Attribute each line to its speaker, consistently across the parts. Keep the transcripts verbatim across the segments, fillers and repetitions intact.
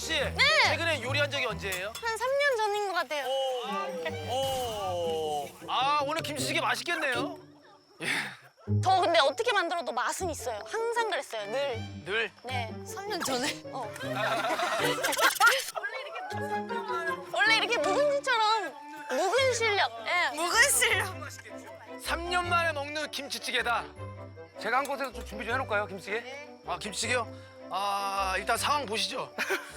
Speaker 1: 씨. 네. 최근에 요리한 적이 언제예요?
Speaker 2: 한 삼 년 전인 것 같아요.
Speaker 1: 오. 아 오늘 김치찌개 맛있겠네요.
Speaker 2: 저 근데 어떻게 만들어도 맛은 있어요. 항상 그랬어요. 늘.
Speaker 1: 늘.
Speaker 2: 네.
Speaker 3: 삼 년 전에?
Speaker 2: 어. 원래 이렇게 묵은지처럼 묵은 실력. 예.
Speaker 3: 묵은 실력.
Speaker 1: 삼 년 만에 먹는 김치찌개다.
Speaker 4: 제가 한 곳에서 좀 준비 좀 해놓을까요, 김치찌개?
Speaker 1: 아 김치찌개요? 아 일단 상황 보시죠.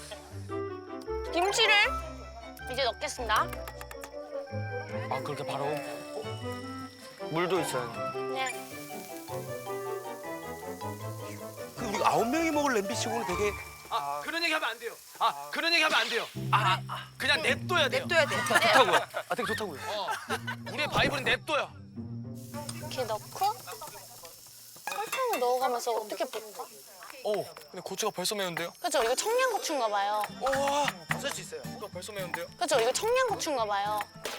Speaker 2: 김치를 이제 넣겠습니다.
Speaker 4: 아, 그렇게 바로? 물도 있어요.
Speaker 2: 네.
Speaker 4: 그 우리 아홉 명이 먹을 냄비치고는 되게
Speaker 1: 아 그런 얘기 하면 안 돼요. 아 그런 얘기 하면 안 돼요. 아, 아 그냥 냅둬야 돼요.
Speaker 3: 냅둬야 돼.
Speaker 4: 좋다고요. 아, 되게 좋다고요.
Speaker 1: 어. 우리의 바이블은 냅둬요.
Speaker 2: 이렇게 넣고 설탕을 넣어가면서 어떻게 볶아?
Speaker 4: 오, 근데 고추가 벌써 매운데요?
Speaker 2: 그죠? 이거 청양고추인가 봐요.
Speaker 4: 우와,
Speaker 1: 쓸 수 있어요.
Speaker 4: 이거 벌써 매운데요?
Speaker 2: 그죠? 이거 청양고추인가 봐요.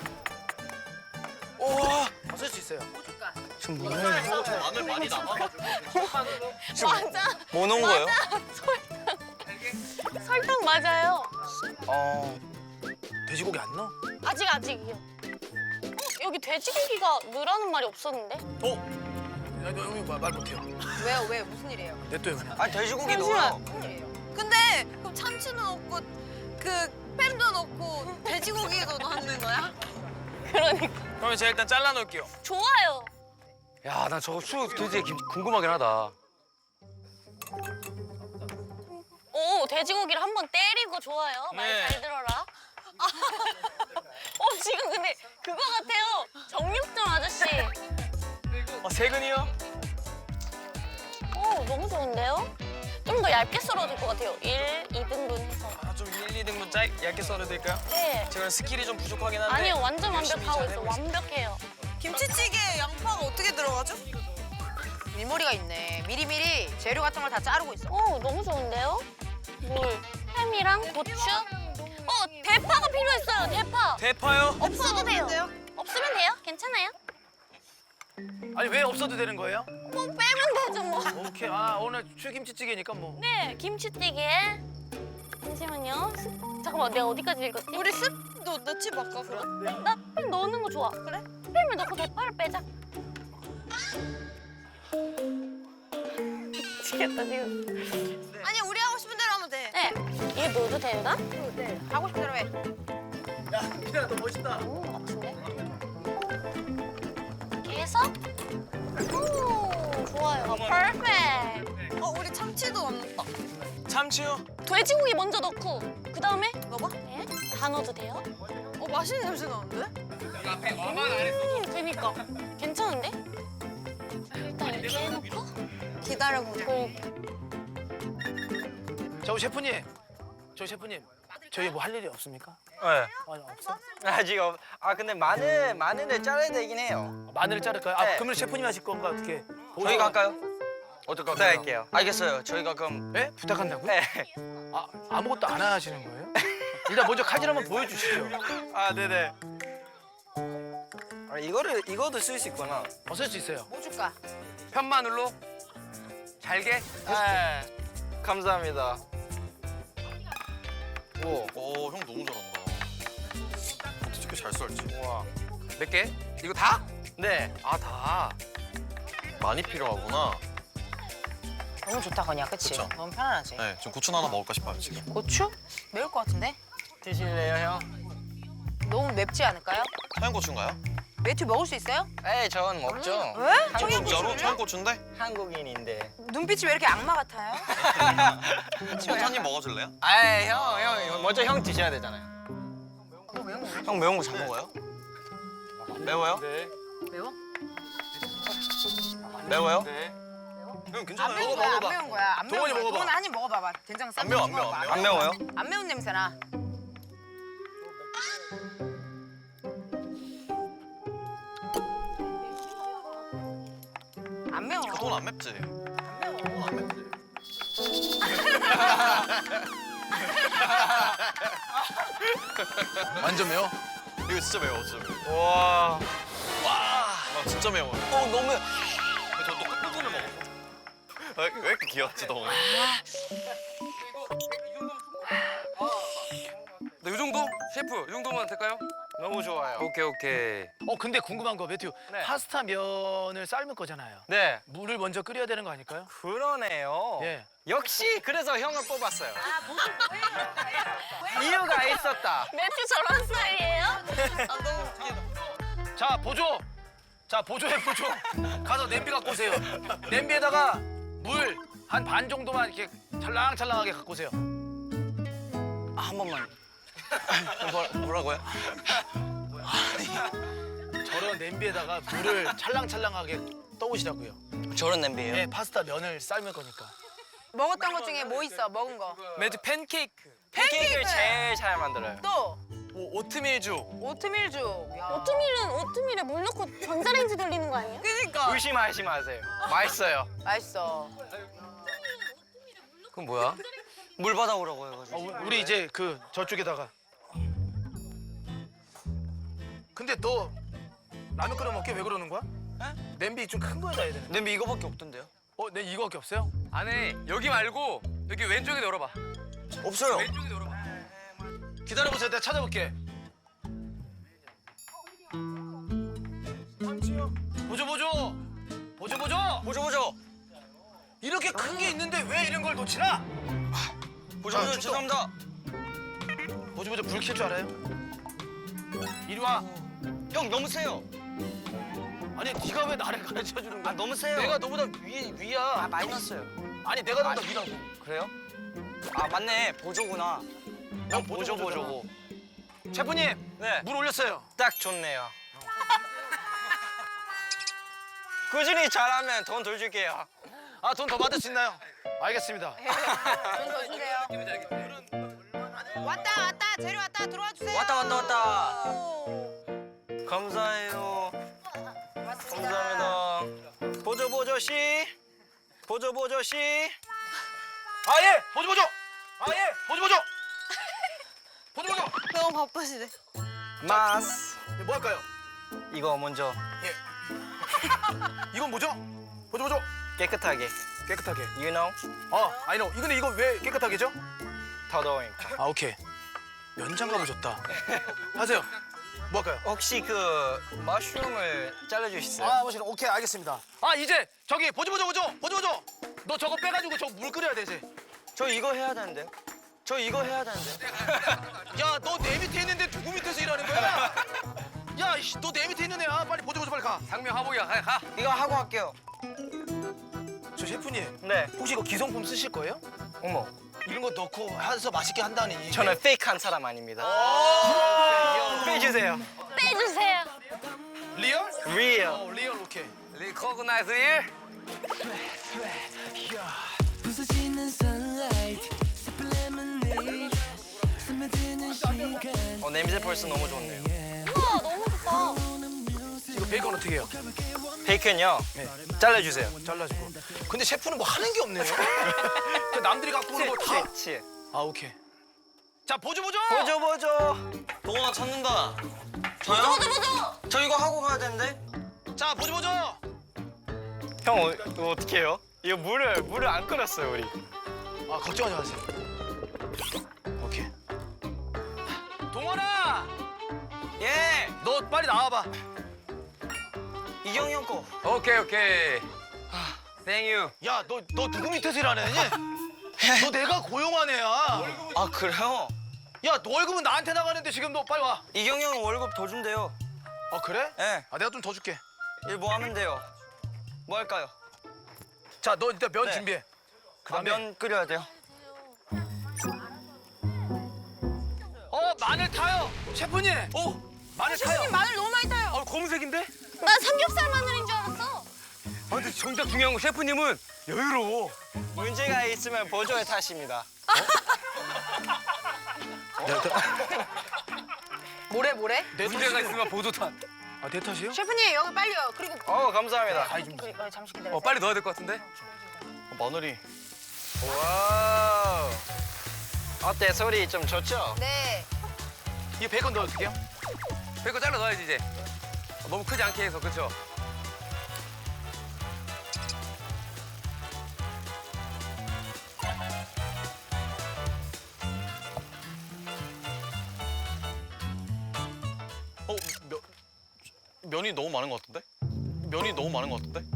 Speaker 4: 우와.
Speaker 1: 쓸 수 있어요.
Speaker 4: 지금 뭐 넣는 거예요?
Speaker 1: 마늘 많이 남아가지고.
Speaker 2: 맞아.
Speaker 4: 뭐 넣은 거예요?
Speaker 2: 설탕 맞아요.
Speaker 4: 어,
Speaker 1: 돼지고기 안 넣어?
Speaker 2: 아직 아직이요. 어, 여기 돼지고기가 넣으라는 말이 없었는데?
Speaker 1: 어? 야, 너 여기 말 못해요.
Speaker 3: 왜요? 왜? 무슨 일이에요?
Speaker 1: 냅둬요 그냥.
Speaker 4: 아니 돼지고기
Speaker 2: 잠시만.
Speaker 4: 넣어요.
Speaker 3: 무슨 일이에요? 근데 그럼 참치도 넣고 그 햄도 넣고 돼지고기도 넣는 거야?
Speaker 2: 그러니까.
Speaker 4: 그러면 제가 일단 잘라 놓을게요.
Speaker 2: 좋아요.
Speaker 4: 야, 나 저거 수 되게 김- 궁금하긴 하다.
Speaker 2: 오, 돼지고기를 한번 때리고 좋아요. 말
Speaker 4: 네.
Speaker 2: 잘 들어라. 어, 지금 근데 그거 같아요. 정육점 아저씨.
Speaker 4: 어, 세근이요?
Speaker 2: 오, 너무 좋은데요? 좀 더 얇게 썰어도 될 것 같아요. 일, 이 등분 해서.
Speaker 4: 아, 좀 일, 이 등분 짧, 얇게 썰어도 될까요?
Speaker 2: 네.
Speaker 4: 제가 스킬이 좀 부족하긴 한데.
Speaker 2: 아니요, 완전
Speaker 4: 열심히
Speaker 2: 완벽하고
Speaker 4: 잘
Speaker 2: 있어.
Speaker 4: 해보겠습니다.
Speaker 2: 완벽해요.
Speaker 3: 김치찌개에 양파가 어떻게 들어가죠? 밀머리가 있네. 미리미리 재료 같은 걸 다 자르고 있어.
Speaker 2: 오, 너무 좋은데요? 물, 햄이랑 고추. 어, 대파가 필요했어요. 대파.
Speaker 4: 대파요?
Speaker 2: 없어도 돼요. 없으면 돼요. 괜찮아요.
Speaker 1: 아니 왜 없어도 되는 거예요?
Speaker 2: 뭐 빼면 되죠, 뭐.
Speaker 1: 오케이. 아 오늘 출김치찌개니까 뭐.
Speaker 2: 네, 김치찌개. 잠시만요. 스- 잠깐만, 내가 어디까지 읽었지?
Speaker 3: 우리 습도 넣지 말까 그럼?
Speaker 2: 나 햄 넣는 거 좋아. 그래? 햄을 넣고 대파를 빼자. 미치겠다, 지금.
Speaker 3: 아니 우리 하고 싶은 대로 하면 돼.
Speaker 2: 네, 이게 넣어도 되나?
Speaker 3: 네. 하고 싶은 대로 해.
Speaker 1: 야 미나 너 멋있다.
Speaker 2: 넣는 것 같은데? 이렇게 해서 오, 좋아요. 퍼펙트.
Speaker 3: 어 우리 참치도 넣었다.
Speaker 4: 참치요?
Speaker 2: 돼지고기 먼저 넣고 그 다음에
Speaker 3: 넣어봐.
Speaker 2: 네, 다 넣어도 돼요?
Speaker 3: 어 맛있는 냄새 나는데?
Speaker 2: 음, 그니까 괜찮은데? 일단 이렇게 해놓고
Speaker 3: 기다려보자.
Speaker 2: 그리고
Speaker 1: 저 셰프님. 저 셰프님. 저희 뭐 할 일이 없습니까?
Speaker 4: 네.
Speaker 1: 아니 없어.
Speaker 5: 아직 없. 아 근데 마늘 마늘을 잘라야 되긴 해요.
Speaker 1: 마늘을 자를까요? 아
Speaker 5: 네.
Speaker 1: 그러면 셰프님 하실 건가 어떻게?
Speaker 5: 저희가 할까요?
Speaker 1: 어떨까?
Speaker 5: 부탁할게요. 알겠어요. 저희가 그럼
Speaker 1: 네? 부탁한다고요?
Speaker 5: 네.
Speaker 1: 아 아무것도 안 하시는 거예요? 일단 먼저 칼질 한번 보여주시죠.
Speaker 5: 아 네네. 아 이거를 이거도 쓸 수 있구나.
Speaker 1: 어쓸 수 있어요.
Speaker 3: 뭐 줄까?
Speaker 4: 편마늘로 잘게.
Speaker 5: 네. 감사합니다. 오.
Speaker 6: 오, 형 너무 잘한다. 어떻게 잘 썰지?
Speaker 5: 우와.
Speaker 4: 몇 개? 이거 다?
Speaker 5: 네.
Speaker 4: 아, 다.
Speaker 6: 많이 필요하구나.
Speaker 3: 너무 좋다 건이야, 그치?
Speaker 6: 그쵸.
Speaker 3: 너무 편안하지?
Speaker 6: 네, 지금 고추 하나 먹을까 싶어요, 지금.
Speaker 3: 고추? 매울 것 같은데?
Speaker 5: 드실래요 형?
Speaker 3: 너무 맵지 않을까요?
Speaker 6: 청양고추인가요?
Speaker 3: 매튜 먹을 수 있어요?
Speaker 5: 에이 전 먹죠.
Speaker 3: 왜?
Speaker 6: 진짜로? 청양고추인데?
Speaker 5: 한국인인데.
Speaker 3: 눈빛이 왜 이렇게 악마 같아요?
Speaker 6: 한입 먹어줄래요?
Speaker 5: 아이 형형 먼저 형 드셔야 되잖아요. 형 매운 거 잘 먹어요? 매워요?
Speaker 4: 네.
Speaker 3: 매워?
Speaker 5: 매워요?
Speaker 4: 네.
Speaker 6: 형
Speaker 3: 안
Speaker 6: 괜찮아요.
Speaker 3: 매운 거야, 안 매운 거야. 안 매운
Speaker 1: 동원이
Speaker 3: 거야.
Speaker 1: 먹어봐.
Speaker 3: 동원 한입 먹어봐봐. 된장 쌈
Speaker 6: 안 매워, 안 매워,
Speaker 3: 먹어봐.
Speaker 6: 안 매워.
Speaker 5: 안 매워요?
Speaker 3: 안 매운 냄새나. 안 매워.
Speaker 6: 돈 안 맵지? 돈안 맵지?
Speaker 1: 완전 매워?
Speaker 6: 이거 진짜 매워, 진짜 매워.
Speaker 5: 와.
Speaker 6: 와, 진짜 매워요.
Speaker 5: 어 너무.
Speaker 6: 저도 끝부분을 먹었거든. 왜, 왜 이렇게 귀엽지, 덩어?
Speaker 4: 셰프 이 정도면 될까요?
Speaker 5: 너무 좋아요.
Speaker 4: 오케이 오케이.
Speaker 1: 어 근데 궁금한 거 매튜
Speaker 5: 네.
Speaker 1: 파스타 면을 삶을 거잖아요.
Speaker 5: 네.
Speaker 1: 물을 먼저 끓여야 되는 거 아닐까요?
Speaker 5: 그러네요.
Speaker 1: 예.
Speaker 5: 역시 그래서 형을 뽑았어요. 이유가 있었다.
Speaker 2: 매튜 저런 스타일이에요?
Speaker 1: 자 보조. 자 보조해 보조. 가서 냄비 갖고 오세요. 냄비에다가 물 한 반 정도만 이렇게 찰랑찰랑하게 갖고 오세요.
Speaker 5: 아, 한 번만. 뭐, 뭐라고요?
Speaker 1: 저런 냄비에다가 물을 찰랑찰랑하게 떠오시라고요.
Speaker 5: 저런 냄비예요?
Speaker 1: 네, 파스타 면을 삶을 거니까.
Speaker 3: 먹었던 것 중에 뭐 있어? 먹은 거.
Speaker 5: 매주 팬케이크. 팬케이크를 제일 잘 만들어요.
Speaker 3: 또
Speaker 5: 오, 오트밀죽.
Speaker 3: 오트밀죽. 야.
Speaker 2: 오트밀은 오트밀에 물 넣고 전자레인지 돌리는 거 아니에요?
Speaker 3: 그러니까.
Speaker 5: 의심하지 마세요. 맛있어요.
Speaker 3: 맛있어.
Speaker 4: 그럼 뭐야?
Speaker 5: 물 받아오라고 해가지고.
Speaker 1: 어, 우- 우리 이제 그 저쪽에다가. 근데 너 라면 끓여 먹게 왜 그러는 거야? 냄비 좀 큰 거에다 해야 되는.
Speaker 5: 냄비 이거밖에 없던데요?
Speaker 1: 어, 내 이거밖에 없어요?
Speaker 4: 안에 여기 말고 여기 왼쪽에 열어봐.
Speaker 5: 없어요.
Speaker 4: 왼쪽에 열어봐.
Speaker 1: 기다려보세요. 내가 찾아볼게. 보조 보조. 보조 보조.
Speaker 5: 보죠 보죠.
Speaker 1: 이렇게 큰 게 있는데 왜 이런 걸 놓치나?
Speaker 5: 보죠
Speaker 1: 아,
Speaker 5: 보죠.
Speaker 1: 출동.
Speaker 5: 죄송합니다.
Speaker 1: 보조 보조 불 켤 줄 알아요? 이리 와.
Speaker 5: 형 너무 세요.
Speaker 1: 아니 네가 왜 나를 가르쳐 주는 거야?
Speaker 5: 아 너무 세요.
Speaker 1: 내가 너보다 위 위야.
Speaker 5: 아 마이너스요.
Speaker 1: 아니 내가 너보다 위라고.
Speaker 5: 그래요? 아 맞네. 보조구나. 형
Speaker 1: 보조,
Speaker 5: 보조 보조고.
Speaker 1: 셰프님
Speaker 5: 네.
Speaker 1: 물 올렸어요.
Speaker 5: 딱 좋네요. 꾸준히 잘하면 돈 더 줄게요.
Speaker 1: 아 돈 더 받을 수 있나요? 알겠습니다.
Speaker 3: 돈더 준대요. 왔다 왔다 재료 왔다 들어와 주세요.
Speaker 5: 왔다 왔다 왔다.
Speaker 3: 오.
Speaker 5: 감사해요.
Speaker 3: 맞습니다.
Speaker 5: 감사합니다. 보조 보조 씨. 보조 보조 씨.
Speaker 1: 아 예. 보조 보조. 아 예. 보조 보조. 보조 보조.
Speaker 3: 너무 바쁘시네.
Speaker 5: 마스.
Speaker 1: 예, 뭐 할까요?
Speaker 5: 이거 먼저
Speaker 1: 이건 뭐죠? 보조 보조.
Speaker 5: 깨끗하게.
Speaker 1: 깨끗하게.
Speaker 5: You know?
Speaker 1: 아, I know. 이근데 이거 왜 깨끗하게죠?
Speaker 5: 더더우니까.
Speaker 1: 아, 오케이. 면장갑을 줬다. 하세요. 뭐 할까요?
Speaker 5: 혹시 그 머쉬룸을 잘라주시어요?
Speaker 1: 아, 멋있어. 오케이, 알겠습니다. 아, 이제 저기 보조 보조 보조. 보조 보조. 너 저거 빼가지고 저 물 끓여야 되지.
Speaker 5: 저 이거 해야 되는데요? 저 이거 해야 되는데.
Speaker 1: 야, 너 내 밑에 있는데 누구 밑에서 일하는 거야? 야, 이씨, 너 내 밑에 있는 애야. 빨리 보조 보조 빨리 가.
Speaker 4: 상명 하복이야. 가. 가.
Speaker 5: 이거 하고 할게요.
Speaker 1: 저 셰프님,
Speaker 5: 네.
Speaker 1: 혹시 이거 기성품 쓰실 거예요?
Speaker 5: 어머.
Speaker 1: 이런 거 넣고 해서 맛있게 한다니.
Speaker 5: 저는 페이크한 사람 아닙니다.
Speaker 1: 오!
Speaker 5: 빼주세요.
Speaker 2: 빼주세요.
Speaker 1: 리얼?
Speaker 5: Real.
Speaker 1: 어, 리얼 오케이.
Speaker 4: 리코그나이즈 일.
Speaker 7: 부서지는 sunlight 슬픈 lemonade 스며드는 시간
Speaker 5: 어 냄새 벌써 너무 좋네요.
Speaker 2: 우와 너무 좋다.
Speaker 1: 이거 베이컨 어떻게 해요?
Speaker 5: 베이컨요.
Speaker 1: 네.
Speaker 5: 잘라주세요.
Speaker 1: 잘라주고. 근데 셰프는 뭐 하는 게 없네요. 그 남들이 갖고 오는 거 다.
Speaker 5: 치.
Speaker 1: 아 오케이. 자 보조 보조.
Speaker 5: 보조 보조. 동원아 찾는다. 저요?
Speaker 2: 보조 보조.
Speaker 5: 저 이거 하고 가야 되는데.
Speaker 1: 자 보조 보조.
Speaker 5: 형 어, 이거 어떻게 해요? 이거 물을 물을 안 끓였어요 우리.
Speaker 1: 아 걱정하지 마세요. 오케이. 동원아,
Speaker 5: 예.
Speaker 1: 너 빨리 나와봐.
Speaker 5: 이경이 형 거.
Speaker 4: 오케이 오케이. 땡유.
Speaker 1: 야 너 너 누구 밑에서 일하는 애니? 너 내가 고용한 애야.
Speaker 5: 아 그래요?
Speaker 1: 야 너 월급은 나한테 나가는데 지금 너 빨리 와.
Speaker 5: 이경이 형 월급 더 준대요.
Speaker 1: 아 그래?
Speaker 5: 예.
Speaker 1: 아 내가 좀 더 줄게.
Speaker 5: 일 뭐 하면 돼요? 뭐 할까요?
Speaker 1: 자 너 일단 면
Speaker 5: 네.
Speaker 1: 준비해.
Speaker 5: 아,
Speaker 1: 그다음에
Speaker 5: 면 끓여야 돼요.
Speaker 1: 어 마늘 타요. 셰프님. 오 마늘 타요.
Speaker 3: 셰프님 마늘 너무 많이 타요.
Speaker 4: 어 검은색인데?
Speaker 2: 난 삼겹살 마늘인 줄 알았어.
Speaker 4: 아 근데 정작 중요한 건 셰프님은 여유로워.
Speaker 5: 문제가 있으면 보조의 탓입니다.
Speaker 3: 뭐래 뭐래?
Speaker 1: 내
Speaker 4: 문제가
Speaker 1: 탓이에요.
Speaker 4: 있으면 보조탄.
Speaker 1: 아 내 탓이요?
Speaker 3: 셰프님 여기 빨리요. 그리고
Speaker 5: 어 감사합니다.
Speaker 1: 가위 좀.
Speaker 3: 어, 잠시 기다려.
Speaker 4: 어 빨리 넣어야 될 것 같은데?
Speaker 5: 마늘이. 와우. 어때 소리 좀 좋죠?
Speaker 3: 네.
Speaker 1: 이 베이컨 넣어줄게요.
Speaker 4: 베이컨 잘라 넣어야지 이제. 어, 너무 크지 않게 해서 그렇죠?
Speaker 6: 면이 너무 많은 것 같은데? 면이 너무 많은 것 같은데?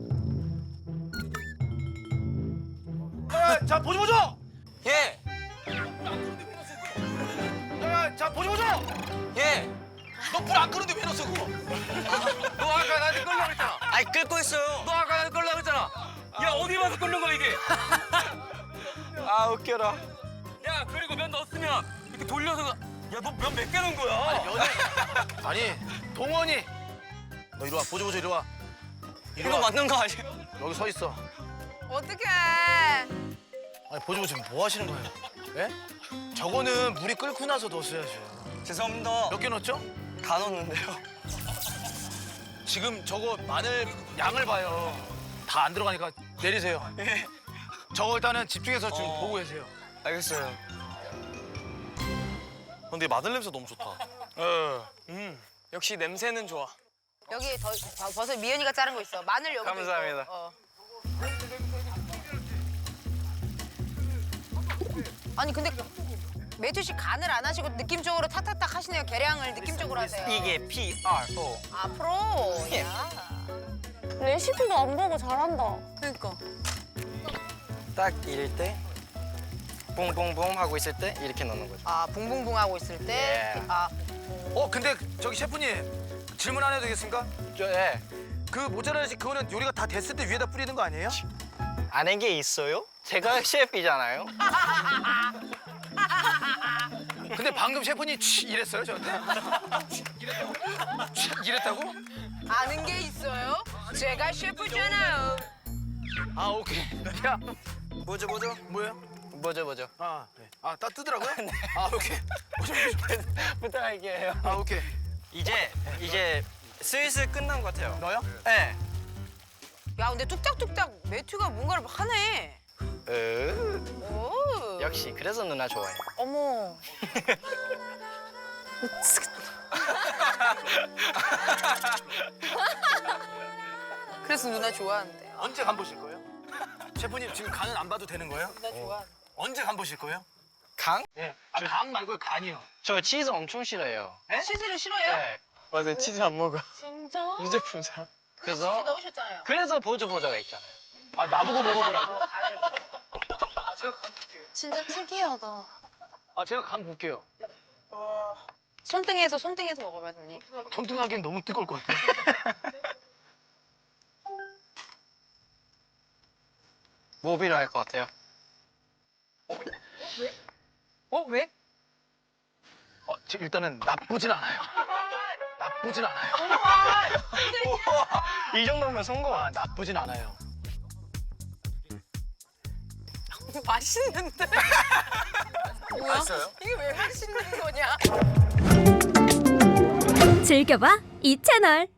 Speaker 1: 야, 자 보조 보조.
Speaker 5: 예.
Speaker 1: 야, 자 보조 보조.
Speaker 5: 예.
Speaker 1: 너 불 안 끄는데 왜 넣었어 그거?
Speaker 4: 너 아까 나한테 끌려고 했잖아.
Speaker 5: 아이 끓고 있어요.
Speaker 4: 너 아까 나한테 끌려고 했잖아. 야 어디 봐서 끓는 거야 이게?
Speaker 5: 아 웃겨라.
Speaker 4: 야 그리고 면 넣었으면 이렇게 돌려서 야 너 면 몇 개 넣은 거야?
Speaker 1: 면이 아니 동원이 너 이리 와 보조 보조 이리 와. 이리
Speaker 5: 이거
Speaker 1: 와.
Speaker 5: 맞는 거 아니에요?
Speaker 1: 여기 서 있어.
Speaker 3: 어떡해.
Speaker 1: 아니 보조 보조 지금 뭐 하시는 거예요? 예? 저거는 물이 끓고 나서 넣었어야죠.
Speaker 5: 죄송합니다.
Speaker 1: 몇 개 넣었죠?
Speaker 5: 다 넣었는데요.
Speaker 1: 지금 저거 마늘 양을 봐요. 다 안 들어가니까 내리세요.
Speaker 5: 예.
Speaker 1: 저거 일단은 집중해서 지금
Speaker 5: 어.
Speaker 1: 보고 계세요.
Speaker 5: 알겠어요.
Speaker 6: 근데 마늘 냄새 너무 좋다.
Speaker 5: 음 역시 냄새는 좋아.
Speaker 3: 여기 더, 더 버섯 미연이가 자른 거 있어. 마늘 여기도
Speaker 5: 감사합니다.
Speaker 3: 있고. 어. 아니 근데 매튜 씨 간을 안 하시고 느낌적으로 탁탁탁 하시네요. 계량을 느낌적으로 하세요.
Speaker 5: 이게 P R O.
Speaker 3: 앞으로.
Speaker 5: 예.
Speaker 3: 야.
Speaker 2: 레시피도 안 보고 잘한다.
Speaker 3: 그러니까.
Speaker 5: 딱 이럴 때 뽕뽕뽕 하고 있을 때 이렇게 넣는 거죠.
Speaker 3: 아 붕붕붕 하고 있을 때.
Speaker 5: 예.
Speaker 3: 아
Speaker 1: 어 근데 저기 셰프님 질문 안 해도 되겠습니까?
Speaker 5: 저 예.
Speaker 1: 그 모짜렐라 치 그거는 요리가 다 됐을 때 위에다 뿌리는 거 아니에요?
Speaker 5: 아는 게 있어요? 제가 셰프이잖아요.
Speaker 1: 근데 방금 셰프님 취 이랬어요 저한테? 취 이랬다고?
Speaker 3: 아는 게 있어요? 제가 셰프잖아요.
Speaker 1: 아 오케이. 야
Speaker 5: 뭐죠 뭐죠?
Speaker 1: 뭐예요?
Speaker 5: 뭐죠 뭐죠?
Speaker 1: 아, 네. 아, 따 뜨더라고요? 아, 오케이. 보조, 보조.
Speaker 5: 부탁할게요.
Speaker 1: 아, 오케이.
Speaker 5: 이제 이제 슬슬 끝난 것 같아요.
Speaker 1: 너요?
Speaker 5: 네.
Speaker 3: 야 근데 뚝딱뚝딱 매튜가 뭔가를 하네.
Speaker 5: 으,
Speaker 3: 오.
Speaker 5: 역시 그래서 누나 좋아해.
Speaker 3: 어머. 그래서 누나 좋아한대.
Speaker 1: 언제 간 보실 거예요? 셰프님 지금 간은 안 봐도 되는 거예요?
Speaker 3: 누나 좋아.
Speaker 1: 언제 간 보실 거예요?
Speaker 5: 강?
Speaker 1: 네. 아, 간 말고 간이요.
Speaker 5: 저 치즈 엄청 싫어해요.
Speaker 3: 치즈를 싫어해요?
Speaker 5: 네.
Speaker 6: 맞아요. 치즈 안 먹어.
Speaker 2: 진짜?
Speaker 6: 유제품 잘.
Speaker 5: 그래서
Speaker 3: 넣으셨잖아요.
Speaker 5: 그래서 보조 보조가 있잖아요.
Speaker 1: 아, 나보고 먹어보라고?
Speaker 2: 진짜 특이하다.
Speaker 1: 아, 제가 간 볼게요.
Speaker 3: 손등에서 손등에서 먹으면 언니.
Speaker 1: 통통하기엔 너무 뜨거울 것 같아요.
Speaker 5: 뭐 필요할 것 같아요?
Speaker 1: 어, 왜? 어, 지금 일단은 나쁘진 않아요. 나쁘진 않아요.
Speaker 5: 이 정도면 성공.
Speaker 1: 아, 나쁘진 않아요.
Speaker 3: 맛있는데? 뭐야?
Speaker 5: 맛있어요?
Speaker 3: 이게 왜 맛있는 거냐?
Speaker 8: 즐겨봐 이 채널.